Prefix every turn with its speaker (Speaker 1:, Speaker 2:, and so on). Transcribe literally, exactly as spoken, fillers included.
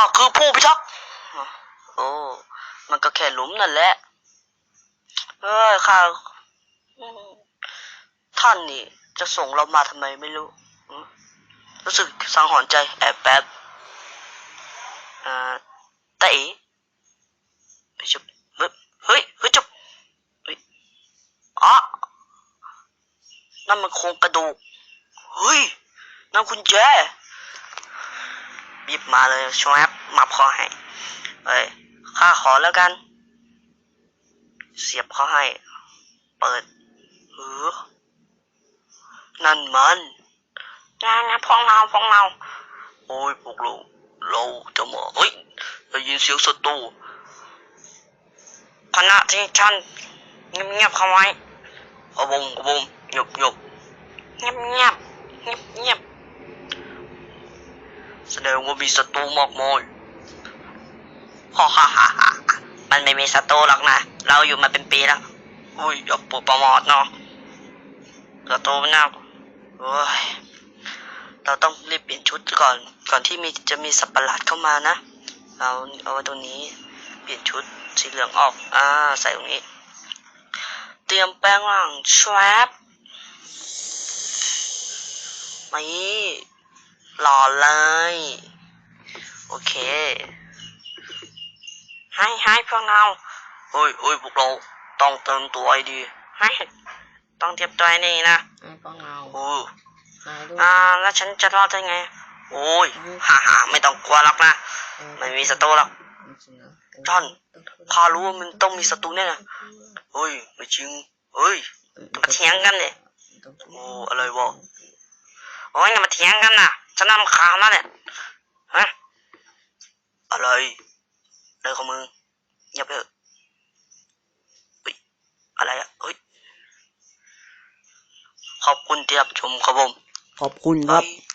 Speaker 1: คือผู้พิทักษ์โอ้มันก็แค่หลุมนั่นแหละเอ้ยข้าท่านนี่จะส่งเรามาทำไมไม่รู้รู้สึกสังหรณ์ใจแอบแป๊บอ่าแต่เอ๋เฮ้ยเฮ้ยเฮ้ยเฮ้ยจุ๊บเฮ้ยอ๋อนั่นมันโครงกระดูกเฮ้ยนั่นคุณแจบีบมาเลยช่วยมับคอให้เอ้ยข้าขอแล้วกันเสียบเขาให้เปิดเออนั่นมันงานนะพองเราพองเราโอ้ยพวกเราเราจะมาเฮ้ยได้ยินเสียงศัตรูขณะที่ฉันเงียบๆเข้าไว้กระบงกระบงเงียบเงียบเงียบเงียบเงียบเงียบแสดงว่ามีศัตรูมากมายฮ่าฮ่าฮ่าฮ่ามันไม่มีศัตรูหรอกนะเราอยู่มาเป็นปีแล้วอุ้ยอย่าปวดประมาทเนาะศัตรูมันน่าโอ้ยเราต้องรีบเปลี่ยนชุดก่อนก่อนที่มีจะมีสัตว์ประหลาดเข้ามานะเอาเอาไว้ตรงนี้เปลี่ยนชุดสีเหลืองออกอ่าใส่ตรงนี้เตรียมแป้งร่างแชปนี่หล่อเลยโอเคให้ให้พวกเราเฮ้ยเฮ้ยพวกเราต้องเติมตัวไอดีให้ต้องเตรียมตัวนี่นะ
Speaker 2: ให้พวกเรา
Speaker 1: โอ้อ่าแล้วฉันจะรอดได้ไงโอ้ยฮ่าฮ่าไม่ต้องกลัวหรอกนะไม่มีศัตรูหรอกจอนข้ารู้ว่ามันต้องมีศัตรูแน่นะเฮ้ยไม่จริงเฮ้ยมาเถียงกันเลยโอ้อะไรวะโอ้ยอย่ามาเถียงกันนะฉันนำข่าวมาเนี่ยฮะอะไรอะไรของมึงอย่าไปเฮ้ยอะไรอ่ะเฮ้ยขอบคุณที่รับชมครับผม
Speaker 2: ขอบคุณครับ